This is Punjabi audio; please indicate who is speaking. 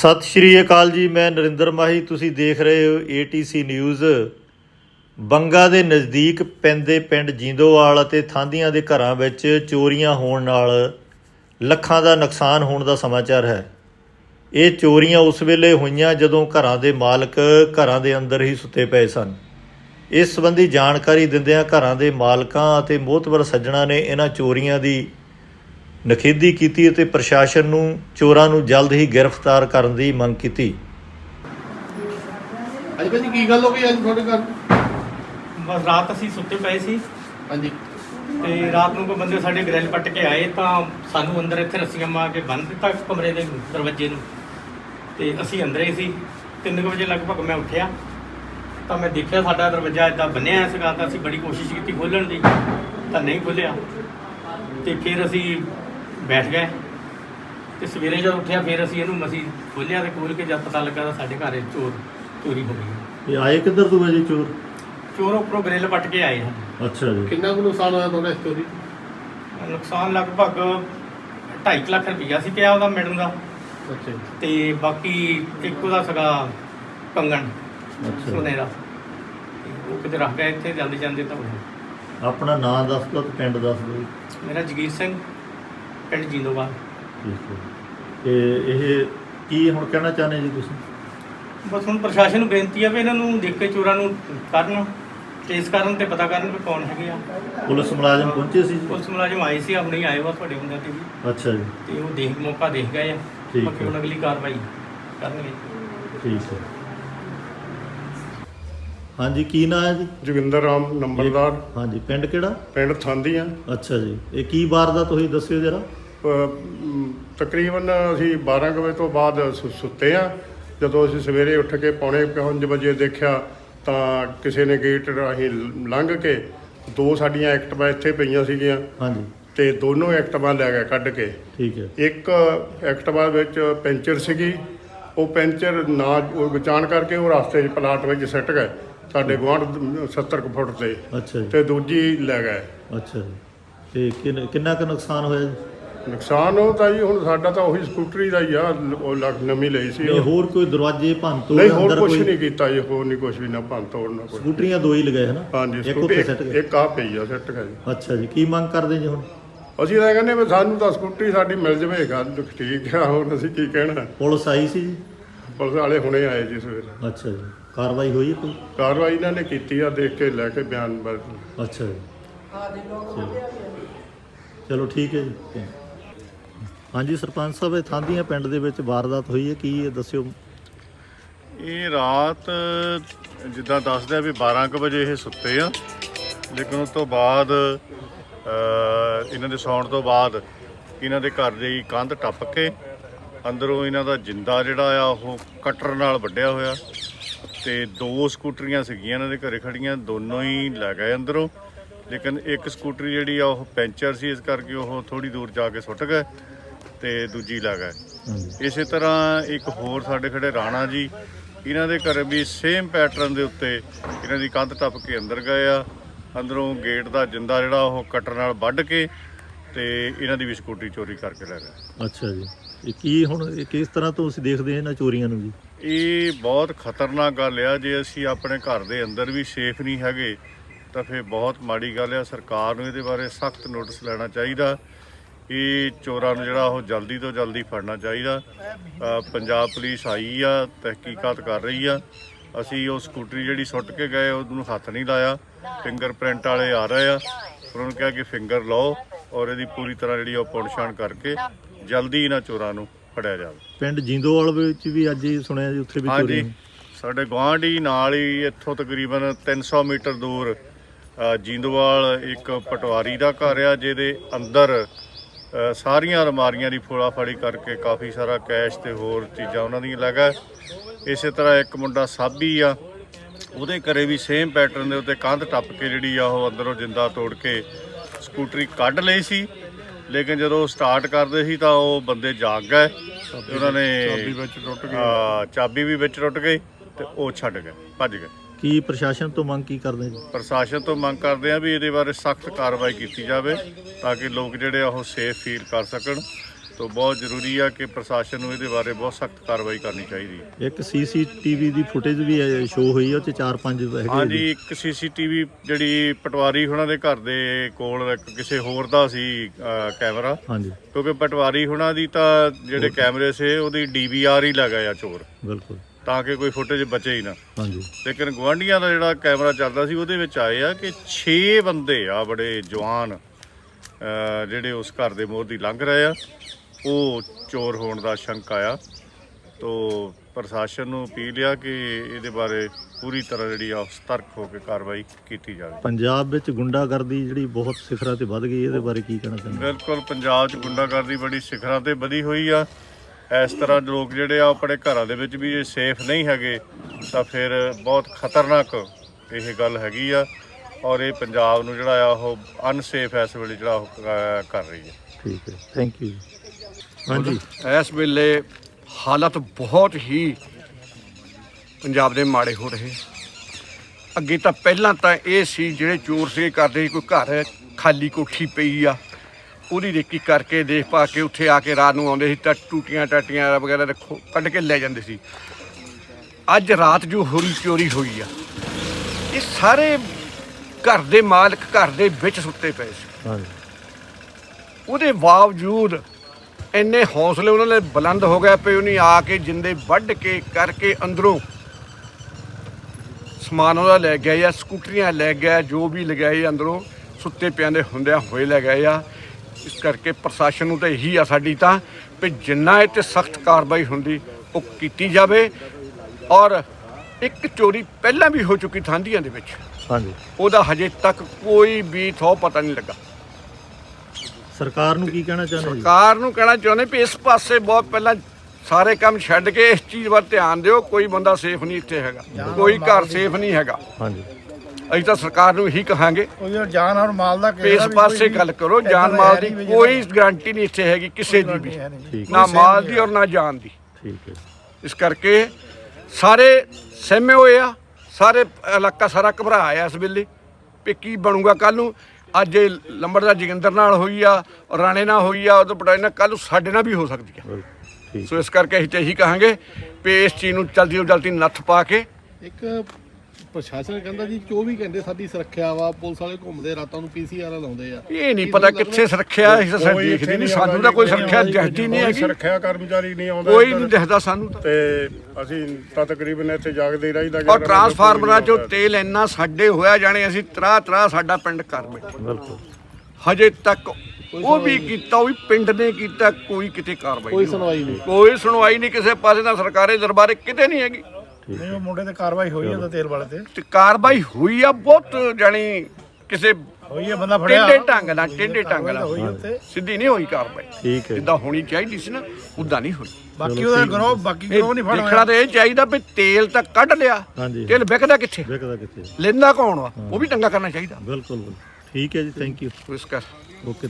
Speaker 1: ਸਤਿ ਸ਼੍ਰੀ ਅਕਾਲ ਜੀ। ਮੈਂ ਨਰਿੰਦਰ ਮਾਹੀ, ਤੁਸੀਂ ਦੇਖ ਰਹੇ ਹੋ ATC ਨਿਊਜ਼। ਬੰਗਾ ਦੇ ਨਜ਼ਦੀਕ ਪੈਂਦੇ ਪਿੰਡ ਜੀਂਦੋਵਾਲ ਅਤੇ ਥਾਂਦੀਆਂ ਦੇ ਘਰਾਂ ਵਿੱਚ ਚੋਰੀਆਂ ਹੋਣ ਨਾਲ ਲੱਖਾਂ ਦਾ ਨੁਕਸਾਨ ਹੋਣ ਦਾ ਸਮਾਚਾਰ ਹੈ। ਇਹ ਚੋਰੀਆਂ ਉਸ ਵੇਲੇ ਹੋਈਆਂ ਜਦੋਂ ਘਰਾਂ ਦੇ ਮਾਲਕ ਘਰਾਂ ਦੇ ਅੰਦਰ ਹੀ ਸੁੱਤੇ ਪਏ ਸਨ। ਇਸ ਸੰਬੰਧੀ ਜਾਣਕਾਰੀ ਦਿੰਦਿਆਂ ਘਰਾਂ ਦੇ ਮਾਲਕਾਂ ਅਤੇ ਮੋਹਤਬਰ ਸੱਜਣਾਂ ਨੇ ਇਹਨਾਂ ਚੋਰੀਆਂ ਦੀ ਨਖੇਦੀ ਕੀਤੀ ਅਤੇ ਪ੍ਰਸ਼ਾਸਨ ਨੂੰ ਚੋਰਾਂ ਨੂੰ ਜਲਦ ਹੀ ਗ੍ਰਿਫਤਾਰ ਕਰਨ ਦੀ ਮੰਗ ਕੀਤੀ।
Speaker 2: ਅੱਜ ਭਾਜੀ ਕੀ ਗੱਲ ਹੋ ਗਈ ਅੱਜ ਤੁਹਾਡੇ ਘਰ?
Speaker 3: ਬਸ ਰਾਤ ਅਸੀਂ ਸੁੱਤੇ ਪਏ ਸੀ
Speaker 2: ਹਾਂਜੀ
Speaker 3: ਤੇ ਰਾਤ ਨੂੰ ਕੋਈ ਬੰਦੇ ਸਾਡੇ ਗ੍ਰਿਲ ਪੱਟ ਕੇ ਆਏ ਤਾਂ ਸਾਨੂੰ ਅੰਦਰ ਇੱਥੇ ਰੱਸੀਆਂ ਮਾਰ ਕੇ ਬੰਨ੍ਹ ਦਿੱਤਾ ਕਮਰੇ ਦੇ ਦਰਵਾਜ਼ੇ ਨੂੰ ਤੇ ਅਸੀਂ ਅੰਦਰ ਹੀ ਸੀ। 3 ਵਜੇ ਲਗਭਗ ਮੈਂ ਉੱਠਿਆ ਤਾਂ ਮੈਂ ਦੇਖਿਆ ਸਾਡਾ ਦਰਵਾਜ਼ਾ ਇੱਦਾਂ ਬੰਨਿਆ ਸੀਗਾ ਤਾਂ ਅਸੀਂ ਬੜੀ ਕੋਸ਼ਿਸ਼ ਕੀਤੀ ਖੋਲ੍ਹਣ ਦੀ ਤਾਂ ਨਹੀਂ ਖੁੱਲ੍ਹਿਆ ਤੇ ਫਿਰ ਅਸੀਂ ਬੈਠ ਗਏ ਤੇ ਸਵੇਰੇ ਜਦ ਉੱਠਿਆ ਫਿਰ ਅਸੀਂ ਇਹਨੂੰ ਮਸੀਂ ਖੋਲ੍ਹਿਆ ਤੇ ਖੋਲ੍ਹ ਕੇ ਜਦ ਪਤਾ ਲੱਗਾ ਤਾਂ ਸਾਡੇ ਘਰ ਚੋਰੀ ਹੋ ਗਈ।
Speaker 1: ਇਹ ਆਏ ਕਿੱਧਰ ਤੋਂ ਹੈ ਜੀ ਚੋਰ?
Speaker 3: ਚੋਰ ਉੱਪਰੋਂ ਗ੍ਰਿਲ ਪੱਟ ਕੇ ਆਏ ਹਨ।
Speaker 1: ਅੱਛਾ ਜੀ।
Speaker 2: ਕਿੰਨਾ ਕੁ ਨੁਕਸਾਨ ਹੋਇਆ ਤੁਹਾਡਾ ਇਸ ਚੋਰੀ?
Speaker 3: ਨੁਕਸਾਨ ਲਗਭਗ 2.5 ਲੱਖ ਰੁਪਈਆ ਸੀ ਪਿਆ ਉਹਦਾ ਮੈਡਮ ਦਾ
Speaker 2: ਅੱਛਾ ਜੀ।
Speaker 3: ਤੇ ਬਾਕੀ ਇੱਕ ਉਹਦਾ ਸੀਗਾ ਕੰਗਣ ਸੋਨੇ ਦਾ ਉਹ ਕਿਤੇ ਰੱਖ ਗਿਆ ਇੱਥੇ ਜਾਂਦੇ ਜਾਂਦੇ ਤਾਂ ਹੋਇਆ।
Speaker 1: ਆਪਣਾ ਨਾਂ ਦੱਸ ਦਿਓ ਤੇ ਪਿੰਡ ਦੱਸ ਦਿਓ।
Speaker 3: ਮੇਰਾ ਜਗੀਰ ਸਿੰਘ, ਪਿੰਡ ਜੀਂਦੋਵਾਲ।
Speaker 1: ਠੀਕ ਹੈ। ਤੇ ਇਹ ਕੀ ਹੁਣ ਕਹਿਣਾ ਚਾਹੁੰਦੇ ਜੀ ਤੁਸੀਂ?
Speaker 3: ਬਸ ਹੁਣ ਪ੍ਰਸ਼ਾਸਨ ਨੂੰ ਬੇਨਤੀ ਹੈ ਵੀ ਇਹਨਾਂ ਨੂੰ ਦੇਖ ਕੇ ਚੋਰਾਂ ਨੂੰ ਕਰਨ, ਟ੍ਰੇਸ ਕਰਨ ਤੇ ਪਤਾ ਕਰਨ ਵੀ ਕੌਣ ਹੈਗੇ ਆ।
Speaker 1: ਪੁਲਿਸ ਮੁਲਾਜ਼ਮ ਪਹੁੰਚੇ ਸੀ ਜੀ?
Speaker 3: ਪੁਲਿਸ ਮੁਲਾਜ਼ਮ ਆਏ ਸੀ, ਹੁਣੇ ਆਏ ਵਾ ਤੁਹਾਡੇ ਹੁੰਦਿਆਂ ਤੇ ਵੀ।
Speaker 1: ਅੱਛਾ ਜੀ।
Speaker 3: ਤੇ ਉਹ ਮੌਕਾ ਦੇਖ ਗਏ ਆ।
Speaker 1: ਠੀਕ
Speaker 3: ਬਾਕੀ
Speaker 1: ਹੈ।
Speaker 3: ਹੁਣ ਅਗਲੀ ਕਾਰਵਾਈ ਕਰਨਗੇ।
Speaker 1: ਠੀਕ ਹੈ। ਹਾਂਜੀ, ਕੀ ਨਾਂ ਹੈ ਜੀ?
Speaker 4: ਜੋਗਿੰਦਰ ਰਾਮ ਨੰਬਰਦਾਰ,
Speaker 1: ਹਾਂਜੀ, ਪਿੰਡ ਕਿਹੜਾ?
Speaker 4: ਪਿੰਡ ਥਾਂਦੀਆਂ।
Speaker 1: ਅੱਛਾ ਜੀ। ਇਹ ਕੀ ਵਾਰਦਾਤ ਹੋਈ ਦੱਸਿਓ ਜਰਾ।
Speaker 4: ਤਕਰੀਬਨ ਅਸੀਂ 12 ਕੁ ਵਜੇ ਤੋਂ ਬਾਅਦ ਸੁੱਤੇ ਆ। ਜਦੋਂ ਅਸੀਂ ਸਵੇਰੇ ਉੱਠ ਕੇ 4:45 ਵਜੇ ਦੇਖਿਆ ਤਾਂ ਕਿਸੇ ਨੇ ਗੇਟ ਰਾਹੀਂ ਲੰਘ ਕੇ 2 ਸਾਡੀਆਂ ਐਕਟਿਵਾ ਇੱਥੇ ਪਈਆਂ ਸੀਗੀਆਂ
Speaker 1: ਹਾਂਜੀ।
Speaker 4: ਤੇ ਦੋਨੋਂ ਐਕਟਿਵਾ ਲੈ ਗਏ ਕੱਢ ਕੇ।
Speaker 1: ਠੀਕ ਹੈ।
Speaker 4: ਇੱਕ ਐਕਟਿਵਾ ਵਿੱਚ ਪੈਂਚਰ ਸੀਗੀ, ਉਹ ਪੈਂਚਰ ਨਾ ਉਹ ਜਾਣ ਕਰਕੇ ਉਹ ਰਸਤੇ 'ਚ ਪਲਾਟ ਵਿੱਚ ਸਿੱਟ ਗਏ ਸਾਡੇ ਗੁਆਂਢ 70 ਕੁ ਫੁੱਟ ਤੇ।
Speaker 1: ਅੱਛਾ ਜੀ।
Speaker 4: ਤੇ ਦੂਜੀ ਲੈ ਗਏ।
Speaker 1: ਅੱਛਾ ਜੀ। ਤੇ ਕਿੰਨਾ ਕੁ ਨੁਕਸਾਨ ਹੋਇਆ ਜੀ?
Speaker 4: ਨੁਕਸਾਨ ਉਹ ਤਾਂ ਜੀ ਹੁਣ ਸਾਡਾ ਤਾਂ ਉਹੀ ਸਕੂਟਰੀ ਦਾ ਹੀ ਆ, ਉਹ ਨਵੀਂ ਲਈ ਸੀ।
Speaker 1: ਨਹੀਂ, ਹੋਰ ਕੋਈ ਦਰਵਾਜ਼ੇ ਭੰਨ ਤੋੜ
Speaker 4: ਨਹੀਂ, ਹੋਰ
Speaker 1: ਅੰਦਰ
Speaker 4: ਕੁਝ
Speaker 1: ਕੋਈ?
Speaker 4: ਨਹੀਂ ਕੀਤਾ ਜੀ, ਹੋਰ ਨਹੀਂ ਕੁਝ ਵੀ, ਨਾ ਭੰਨ ਤੋੜ ਨਾ ਕੁਝ।
Speaker 1: ਸਕੂਟਰੀਆਂ 2 ਹੀ ਲਗਾਏ ਹਨਾ?
Speaker 4: ਹਾਂਜੀ,
Speaker 1: ਇੱਕ ਉੱਥੇ ਸਿੱਟ ਗਏ।
Speaker 4: ਇੱਕ ਆ ਪਈ ਆ ਸਿੱਟ ਗਿਆ ਜੀ।
Speaker 1: ਅੱਛਾ ਜੀ। ਕੀ ਮੰਗ ਕਰਦੇ ਜੀ ਹੁਣ?
Speaker 4: ਅਸੀਂ ਤਾਂ ਕਹਿੰਦੇ ਵੀ ਸਾਨੂੰ ਤਾਂ ਸਕੂਟਰੀ ਸਾਡੀ ਮਿਲ ਜਾਵੇ, ਗੱਲ ਠੀਕ ਆ। ਹੁਣ ਅਸੀਂ ਕੀ ਕਹਿਣਾ।
Speaker 1: ਪੁਲਿਸ ਆਈ ਸੀ ਜੀ?
Speaker 4: ਪੁਲਿਸ ਵਾਲੇ ਹੁਣੇ ਆਏ ਜੀ ਸਵੇਰੇ।
Speaker 1: ਅੱਛਾ ਜੀ। ਕਾਰਵਾਈ ਹੋਈ ਹੈ ਕੋਈ?
Speaker 4: ਕਾਰਵਾਈ ਇਹਨਾਂ ਨੇ ਕੀਤੀ ਆ, ਦੇਖ ਕੇ ਲੈ ਕੇ ਬਿਆਨ
Speaker 1: ਅੱਛਾ ਜੀ। ਚਲੋ ਠੀਕ ਹੈ ਜੀ। ਹਾਂਜੀ ਸਰਪੰਚ ਸਾਹਿਬ, ਇਹ ਥਾਂਦੀਆਂ ਪਿੰਡ ਦੇ ਵਿੱਚ ਵਾਰਦਾਤ ਹੋਈ ਹੈ, ਕੀ ਹੈ ਦੱਸਿਓ।
Speaker 5: ਇਹ ਰਾਤ ਜਿੱਦਾਂ ਦੱਸਦੇ ਆ ਵੀ 12 ਕੁ ਵਜੇ ਇਹ ਸੁੱਤੇ ਆ, ਲੇਕਿਨ ਉਸ ਤੋਂ ਬਾਅਦ ਇਹਨਾਂ ਦੇ ਸੌਣ ਤੋਂ ਬਾਅਦ ਇਹਨਾਂ ਦੇ ਘਰ ਦੀ ਕੰਧ ਟੱਪ ਕੇ ਅੰਦਰੋਂ ਇਹਨਾਂ ਦਾ ਜਿੰਦਾ ਜਿਹੜਾ ਆ ਉਹ ਕਟਰ ਨਾਲ ਵੱਢਿਆ ਹੋਇਆ ਤੇ 2 ਸਕੂਟਰੀਆਂ ਸੀਗੀਆਂ ਇਹਨਾਂ ਦੇ ਘਰੇ ਖੜੀਆਂ, ਦੋਨੋਂ ਹੀ ਲੈ ਗਏ ਅੰਦਰੋਂ। ਲੇਕਿਨ ਇੱਕ ਸਕੂਟਰੀ ਜਿਹੜੀ ਆ ਉਹ ਪੈਂਚਰ ਸੀ, ਇਸ ਕਰਕੇ ਉਹ ਥੋੜੀ ਦੂਰ ਜਾ ਕੇ ਸੁੱਟ ਗਏ ਤੇ ਦੂਜੀ ਲੈ ਗਏ। ਇਸੇ ਤਰ੍ਹਾਂ ਇੱਕ ਹੋਰ ਸਾਡੇ ਖੜੇ ਰਾਣਾ ਜੀ, ਇਹਨਾਂ ਦੇ ਘਰ ਵੀ ਸੇਮ ਪੈਟਰਨ ਦੇ ਉੱਤੇ ਇਹਨਾਂ ਦੀ ਕੰਧ ਟੱਪ ਕੇ ਅੰਦਰ ਗਏ ਆ। ਅੰਦਰੋਂ ਗੇਟ ਦਾ ਜਿੰਦਾ ਜਿਹੜਾ ਉਹ ਕਟਰ ਨਾਲ ਵੱਢ ਕੇ ਤੇ ਇਹਨਾਂ ਦੀ ਵੀ ਸਕੂਟਰੀ ਚੋਰੀ ਕਰਕੇ ਲੈ ਗਏ।
Speaker 1: ਅੱਛਾ ਜੀ। ਇਹ ਕੀ ਹੁਣ ਕਿਸ ਤਰ੍ਹਾਂ ਤੋਂ ਅਸੀਂ ਦੇਖਦੇ ਹਾਂ ਇਹਨਾਂ ਚੋਰੀਆਂ ਨੂੰ ਜੀ? ਇਹ
Speaker 5: ਬਹੁਤ ਖਤਰਨਾਕ ਗੱਲ ਆ। ਜੇ ਅਸੀਂ ਆਪਣੇ ਘਰ ਦੇ ਅੰਦਰ ਵੀ ਸੇਫ ਨਹੀਂ ਹੈਗੇ ਤਾਂ ਫਿਰ ਬਹੁਤ ਮਾੜੀ ਗੱਲ ਆ। ਸਰਕਾਰ ਨੂੰ ਇਹਦੇ ਬਾਰੇ ਸਖਤ ਨੋਟਿਸ ਲੈਣਾ ਚਾਹੀਦਾ। ਇਹ ਚੋਰਾਂ ਨੂੰ ਜਿਹੜਾ ਉਹ ਜਲਦੀ ਤੋਂ ਜਲਦੀ ਫੜਨਾ ਚਾਹੀਦਾ। ਪੰਜਾਬ ਪੁਲਿਸ ਆਈ ਆ, ਤਹਿਕੀਕਾਤ ਕਰ ਰਹੀ ਆ। ਅਸੀਂ ਉਹ ਸਕੂਟਰੀ ਜਿਹੜੀ ਸੁੱਟ ਕੇ ਗਏ ਉਹਨੂੰ ਹੱਥ ਨਹੀਂ ਲਾਇਆ। ਫਿੰਗਰਪ੍ਰਿੰਟ ਵਾਲੇ ਆ ਰਹੇ ਆ, ਉਹਨਾਂ ਨੂੰ ਕਿਹਾ ਕਿ ਫਿੰਗਰ ਲਾਓ ਔਰ ਇਹਦੀ ਪੂਰੀ ਤਰ੍ਹਾਂ ਜਿਹੜੀ ਉਹ ਪੁਣਛਾਣ ਕਰਕੇ ਜਲਦੀ ਇਹਨਾਂ ਚੋਰਾਂ ਨੂੰ ਫੜਿਆ ਜਾਵੇ।
Speaker 1: ਪਿੰਡ ਜੀਂਦੋਵਾਲ ਵਿੱਚ ਵੀ ਅੱਜ ਹੀ ਸੁਣਿਆ ਜੀ, ਉੱਥੇ ਵੀ ਚੋਰੀ?
Speaker 5: ਹਾਂਜੀ, ਸਾਡੇ ਗੁਆਂਢੀ ਨਾਲ ਹੀ ਇੱਥੋਂ ਤਕਰੀਬਨ 300 ਮੀਟਰ ਦੂਰ ਜੀਂਦੋਵਾਲ ਇੱਕ ਪਟਵਾਰੀ ਦਾ ਘਰ ਆ, ਜਿਹਦੇ ਅੰਦਰ ਸਾਰੀਆਂ ਅਲਮਾਰੀਆਂ ਦੀ ਫੋੜਾ ਫਾੜੀ ਕਰਕੇ ਕਾਫੀ ਸਾਰਾ ਕੈਸ਼ ਤੇ ਹੋਰ ਚੀਜ਼ਾਂ ਉਹਨਾਂ ਦੀਆਂ ਲੈ ਗਏ। ਇਸੇ ਤਰ੍ਹਾਂ ਇੱਕ ਮੁੰਡਾ ਸਾਬੀ ਆ, ਉਹਦੇ ਘਰੇ ਵੀ ਸੇਮ ਪੈਟਰਨ ਦੇ ਉੱਤੇ ਕੰਧ ਟੱਪ ਕੇ ਜਿਹੜੀ ਆ ਉਹ ਅੰਦਰੋਂ ਜਿੰਦਾ ਤੋੜ ਕੇ ਸਕੂਟਰੀ ਕੱਢ ਲਈ ਸੀ। ਲੇਕਿਨ ਜਦੋਂ ਸਟਾਰਟ ਕਰਦੇ ਸੀ ਤਾਂ ਉਹ ਬੰਦੇ ਜਾਗ ਗਏ, ਉਹਨਾਂ ਨੇ ਚਾਬੀ ਵੀ ਵਿੱਚ ਟੁੱਟ ਗਈ ਤੇ ਉਹ ਛੱਡ ਗਏ, ਭੱਜ ਗਏ।
Speaker 1: ਕੀ ਪ੍ਰਸ਼ਾਸਨ ਤੋਂ ਮੰਗ ਕੀ ਕਰਦੇ ਜੀ?
Speaker 5: ਪ੍ਰਸ਼ਾਸਨ ਤੋਂ ਮੰਗ ਕਰਦੇ ਆ ਵੀ ਇਹਦੇ ਬਾਰੇ ਸਖਤ ਕਾਰਵਾਈ ਕੀਤੀ ਜਾਵੇ ਤਾਂ ਕਿ ਲੋਕ ਜਿਹੜੇ ਆ ਉਹ ਸੇਫ ਫੀਲ ਕਰ ਸਕਣ। ਤੋ ਬਹੁਤ ਜ਼ਰੂਰੀ ਆ ਕਿ ਪ੍ਰਸ਼ਾਸਨ ਨੂੰ ਇਹਦੇ ਬਾਰੇ ਬਹੁਤ ਸਖਤ ਕਾਰਵਾਈ ਕਰਨੀ ਚਾਹੀਦੀ ਹੈ।
Speaker 1: ਇੱਕ ਸੀਸੀਟੀਵੀ ਦੀ ਫੁਟੇਜ ਵੀ ਸ਼ੋ ਹੋਈ ਆ, ਉਹ 'ਚ 4-5 ਹੈਗੇ
Speaker 5: ਹਾਂਜੀ, ਇੱਕ ਸੀਸੀਟੀਵੀ ਜਿਹੜੀ ਪਟਵਾਰੀ ਉਹਨਾਂ ਦੇ ਘਰ ਦੇ ਕੋਲ ਇੱਕ ਕਿਸੇ ਹੋਰ ਦਾ ਸੀ ਕੈਮਰਾ,
Speaker 1: ਹਾਂਜੀ
Speaker 5: ਕਿਉਂਕਿ ਪਟਵਾਰੀ ਉਹਨਾਂ ਦੀ ਤਾਂ ਜਿਹੜੇ ਕੈਮਰੇ ਸੀ ਉਹਦੀ DVR ਹੀ ਲਗਾਇਆ ਚੋਰ,
Speaker 1: ਬਿਲਕੁਲ,
Speaker 5: ਤਾਂ ਕਿ ਕੋਈ ਫੁਟੇਜ ਬਚੇ ਹੀ ਨਾ।
Speaker 1: ਹਾਂਜੀ
Speaker 5: ਲੇਕਿਨ ਗੁਆਂਢੀਆਂ ਦਾ ਜਿਹੜਾ ਕੈਮਰਾ ਚੱਲਦਾ ਸੀ ਉਹਦੇ ਵਿੱਚ ਆਏ ਆ ਕਿ 6 ਬੰਦੇ ਆ ਬੜੇ ਜਵਾਨ ਜਿਹੜੇ ਉਸ ਘਰ ਦੇ ਮੋਹਰ ਦੀ ਲੰਘ ਰਹੇ ਆ, ਉਹ ਚੋਰ ਹੋਣ ਦਾ ਸ਼ੰਕ ਆਇਆ। ਤੋ ਪ੍ਰਸ਼ਾਸਨ ਨੂੰ ਅਪੀਲ ਆ ਕਿ ਇਹਦੇ ਬਾਰੇ ਪੂਰੀ ਤਰ੍ਹਾਂ ਜਿਹੜੀ ਆ ਸਤਰਕ ਹੋ ਕੇ ਕਾਰਵਾਈ ਕੀਤੀ ਜਾਵੇ।
Speaker 1: ਪੰਜਾਬ ਵਿੱਚ ਗੁੰਡਾਗਰਦੀ ਜਿਹੜੀ ਬਹੁਤ ਸਿਖਰਾਂ ਤੇ ਵੱਧ ਗਈ, ਇਹਦੇ ਬਾਰੇ ਕੀ ਕਹਿਣਾ ਚਾਹੁੰਦੇ?
Speaker 5: ਬਿਲਕੁਲ, ਪੰਜਾਬ 'ਚ ਗੁੰਡਾਗਰਦੀ ਬੜੀ ਸਿਖਰਾਂ ਤੇ ਵਧੀ ਹੋਈ ਆ। ਇਸ ਤਰ੍ਹਾਂ ਲੋਕ ਜਿਹੜੇ ਆ ਆਪਣੇ ਘਰਾਂ ਦੇ ਵਿੱਚ ਵੀ ਜੇ ਸੇਫ ਨਹੀਂ ਹੈਗੇ ਤਾਂ ਫਿਰ ਬਹੁਤ ਖਤਰਨਾਕ ਇਹ ਗੱਲ ਹੈਗੀ ਆ, ਔਰ ਇਹ ਪੰਜਾਬ ਨੂੰ ਜਿਹੜਾ ਆ ਉਹ ਅਨਸੇਫ ਇਸ ਵੇਲੇ ਜਿਹੜਾ ਉਹ ਕਰ ਰਹੀ ਹੈ।
Speaker 1: ਠੀਕ ਹੈ, ਥੈਂਕ ਯੂ। ਹਾਂਜੀ,
Speaker 6: ਇਸ ਵੇਲੇ ਹਾਲਤ ਬਹੁਤ ਹੀ ਪੰਜਾਬ ਦੇ ਮਾੜੇ ਹੋ ਰਹੇ। ਅੱਗੇ ਤਾਂ ਪਹਿਲਾਂ ਤਾਂ ਇਹ ਸੀ ਜਿਹੜੇ ਚੋਰ ਸੀ ਕਰਦੇ ਸੀ, ਕੋਈ ਘਰ ਖਾਲੀ ਕੋਠੀ ਪਈ ਆ ਉਹਦੀ ਰੇਕੀ ਕਰਕੇ ਦੇਖ ਪਾ ਕੇ ਉੱਥੇ ਆ ਕੇ ਰਾਤ ਨੂੰ ਆਉਂਦੇ ਸੀ ਤਾਂ ਟੂਟੀਆਂ ਟਾਟੀਆਂ ਵਗੈਰਾ ਰੱਖੋ ਕੱਢ ਕੇ ਲੈ ਜਾਂਦੇ ਸੀ। ਅੱਜ ਰਾਤ ਜੋ ਹੋਰੀ ਚੋਰੀ ਹੋਈ ਆ, ਇਹ ਸਾਰੇ ਘਰ ਦੇ ਮਾਲਕ ਘਰ ਦੇ ਵਿੱਚ ਸੁੱਤੇ ਪਏ ਸੀ।
Speaker 1: ਹਾਂਜੀ,
Speaker 6: ਉਹਦੇ ਬਾਵਜੂਦ ਇੰਨੇ ਹੌਸਲੇ ਉਹਨਾਂ ਦੇ ਬੁਲੰਦ ਹੋ ਗਏ ਪਏ, ਉਹਨੇ ਆ ਕੇ ਜਿੰਦੇ ਵੱਢ ਕੇ ਕਰਕੇ ਅੰਦਰੋਂ ਸਮਾਨ ਉਹਦਾ ਲੈ ਗਏ ਆ, ਸਕੂਟਰੀਆਂ ਲੈ ਗਏ, ਜੋ ਵੀ ਲਗਾਏ ਅੰਦਰੋਂ ਸੁੱਤੇ ਪਿਆਂ ਦੇ ਹੁੰਦਿਆਂ ਹੋਏ ਲੈ ਗਏ ਆ। ਇਸ ਕਰਕੇ ਪ੍ਰਸ਼ਾਸਨ ਨੂੰ ਤਾਂ ਇਹੀ ਆ ਸਾਡੀ ਤਾਂ ਵੀ ਜਿੰਨਾ ਇਹ 'ਤੇ ਸਖਤ ਕਾਰਵਾਈ ਹੁੰਦੀ ਉਹ ਕੀਤੀ ਜਾਵੇ। ਔਰ ਇੱਕ ਚੋਰੀ ਪਹਿਲਾਂ ਵੀ ਹੋ ਚੁੱਕੀ ਥਾਂਦੀਆਂ ਦੇ ਵਿੱਚ,
Speaker 1: ਹਾਂਜੀ,
Speaker 6: ਉਹਦਾ ਹਜੇ ਤੱਕ ਕੋਈ ਵੀ ਥੋ ਪਤਾ ਨਹੀਂ ਲੱਗਾ।
Speaker 1: ਸਰਕਾਰ ਨੂੰ ਕੀ ਕਹਿਣਾ ਚਾਹੁੰਦੇ ਜੀ?
Speaker 6: ਸਰਕਾਰ ਨੂੰ ਕਹਿਣਾ ਚਾਹੁੰਦੇ ਵੀ ਇਸ ਪਾਸੇ ਬਹੁਤ ਪਹਿਲਾਂ ਸਾਰੇ ਕੰਮ ਛੱਡ ਕੇ ਇਸ ਚੀਜ਼ ਵੱਲ ਧਿਆਨ ਦਿਓ। ਕੋਈ ਬੰਦਾ ਸੇਫ ਨਹੀਂ ਇੱਥੇ ਹੈਗਾ, ਕੋਈ ਘਰ ਸੇਫ ਨਹੀਂ ਹੈਗਾ।
Speaker 1: ਹਾਂਜੀ,
Speaker 6: ਅਸੀਂ ਤਾਂ ਸਰਕਾਰ ਨੂੰ ਇਹੀ ਕਹਾਂਗੇ
Speaker 7: ਕੋਈ ਜਾਨ ਔਰ ਮਾਲ ਦਾ
Speaker 6: ਵੀ ਇਸ ਪਾਸੇ ਗੱਲ ਕਰੋ। ਜਾਨ ਮਾਲ ਦੀ ਕੋਈ ਗਾਰੰਟੀ ਨਹੀਂ ਇੱਥੇ ਹੈਗੀ ਕਿਸੇ ਦੀ ਵੀ,
Speaker 1: ਠੀਕ,
Speaker 6: ਨਾ ਮਾਲ ਦੀ ਔਰ ਨਾ ਜਾਨ ਦੀ।
Speaker 1: ਠੀਕ ਹੈ,
Speaker 6: ਇਸ ਕਰਕੇ ਸਾਰੇ ਸਹਿਮੇ ਹੋਏ ਆ, ਸਾਰੇ ਇਲਾਕਾ ਸਾਰਾ ਘਬਰਾ ਆਇਆ ਇਸ ਵੇਲੇ ਵੀ ਕੀ ਬਣੂਗਾ ਕੱਲ ਨੂੰ। ਅੱਜ ਇਹ ਲੰਬੜਦਾਰ ਜੋਗਿੰਦਰ ਨਾਲ ਹੋਈ ਆ, ਰਾਣੇ ਨਾਲ ਹੋਈ ਆ, ਉਦੋਂ ਪਟਾਈ ਨਾਲ, ਕੱਲ ਨੂੰ ਸਾਡੇ ਨਾਲ ਵੀ ਹੋ ਸਕਦੀ ਆ।
Speaker 1: ਬਿਲਕੁਲ, ਠੀਕ,
Speaker 6: ਸੋ ਇਸ ਕਰਕੇ ਅਸੀਂ ਤਾਂ ਇਹੀ ਕਹਾਂਗੇ ਵੀ ਇਸ ਚੀਜ਼ ਨੂੰ ਜਲਦੀ ਤੋਂ ਜਲਦੀ ਨੱਥ ਪਾ ਕੇ
Speaker 2: ਇੱਕ ਪ੍ਰਸ਼ਾਸਨ ਕਹਿੰਦਾ ਜੀ 24 ਘੰਟੇ ਸਾਡੀ ਸੁਰੱਖਿਆ ਵਾ, ਪੁਲਿਸ ਵਾਲੇ ਘੁੰਮਦੇ ਰਾਤਾਂ ਨੂੰ PCR ਲਾਉਂਦੇ ਆ।
Speaker 6: ਇਹ ਨਹੀਂ ਪਤਾ ਕਿੱਥੇ ਸੁਰੱਖਿਆ, ਅਸੀਂ ਤਾਂ
Speaker 4: ਕੋਈ
Speaker 6: ਦੇਖਦੇ ਨਹੀਂ,
Speaker 4: ਇੱਥੇ
Speaker 6: ਸਾਨੂੰ ਤਾਂ ਕੋਈ ਸੁਰੱਖਿਆ ਦਿਖਦੀ ਨਹੀਂ ਹੈਗੀ,
Speaker 4: ਸੁਰੱਖਿਆ ਕਰਮਚਾਰੀ ਨਹੀਂ ਆਉਂਦਾ
Speaker 6: ਕੋਈ ਨਹੀਂ ਦਿਖਦਾ ਸਾਨੂੰ ਤਾਂ।
Speaker 4: ਤੇ ਅਸੀਂ ਤਾਂ ਤਕਰੀਬਨ ਇੱਥੇ ਜਾਗਦੇ ਹੀ ਰਹੀਦਾ।
Speaker 6: ਔਰ ਟਰਾਂਸਫਾਰਮਰਾਂ 'ਚੋਂ ਤੇਲ ਇੰਨਾ ਸਾਡੇ ਹੋਇਆ ਜਾਣੇ ਅਸੀਂ ਤਰਾ ਸਾਡਾ ਪਿੰਡ ਕਰ ਬੈਠੇ।
Speaker 1: ਬਿਲਕੁਲ,
Speaker 6: ਹਜੇ ਤੱਕ ਉਹ ਵੀ ਕੀਤਾ, ਉਹ ਵੀ ਪਿੰਡ ਨੇ ਕੀਤਾ, ਕੋਈ ਕਿਤੇ ਕਾਰਵਾਈ
Speaker 2: ਕੋਈ
Speaker 6: ਨਹੀਂ।
Speaker 2: ਸੁਣਵਾਈ ਨਹੀਂ।
Speaker 6: ਕੋਈ ਸੁਣਵਾਈ ਨਹੀਂ ਕਿਸੇ ਪਾਸੇ ਦਾ, ਸਰਕਾਰੀ ਦਰਬਾਰੇ ਕਿਤੇ ਨਹੀਂ ਹੈਗੀ।
Speaker 7: ਨਹੀਂ ਉਹ ਮੁੰਡੇ ਤੇ ਕਾਰਵਾਈ ਹੋਈ ਆ ਤਾਂ ਤੇਲ ਵਾਲੇ ਤੇ
Speaker 6: ਤੇ ਕਾਰਵਾਈ ਹੋਈ ਆ ਬਹੁਤ, ਜਾਣੀ ਕਿਸੇ
Speaker 7: ਹੋਈ ਆ, ਬੰਦਾ ਫੜਿਆ
Speaker 6: ਟੇਢੇ ਢੰਗ ਨਾਲ
Speaker 7: ਹੋਈ ਉੱਤੇ।
Speaker 6: ਸਿੱਧੀ ਨਹੀਂ ਹੋਈ ਕਾਰਵਾਈ,
Speaker 1: ਠੀਕ ਹੈ,
Speaker 6: ਜਿੱਦਾਂ ਹੋਣੀ ਚਾਹੀਦੀ ਸੀ ਨਾ ਉਦਾਂ ਨਹੀਂ ਹੋਈ।
Speaker 7: ਬਾਕੀ ਉਹਦਾ ਗਰੋਹ ਬਾਕੀ ਗਰੋਹ ਨਹੀਂ ਫੜ
Speaker 6: ਦੇਖਣਾ ਤਾਂ ਇਹ ਚਾਹੀਦਾ ਵੀ ਤੇਲ ਤਾਂ ਕੱਢ ਲਿਆ,
Speaker 1: ਹਾਂਜੀ,
Speaker 6: ਤੇਲ ਵਿਕਦਾ ਕਿੱਥੇ,
Speaker 1: ਵੇਖਦਾ ਕਿੱਥੇ?
Speaker 6: ਲੈਂਦਾ ਕੌਣ ਵਾ, ਉਹ ਵੀ ਟੰਗਾ ਕਰਨਾ ਚਾਹੀਦਾ।
Speaker 1: ਬਿਲਕੁਲ, ਠੀਕ ਹੈ ਜੀ, ਥੈਂਕ ਯੂ।
Speaker 6: ਇਸ ਕਰ
Speaker 1: ਓਕੇ।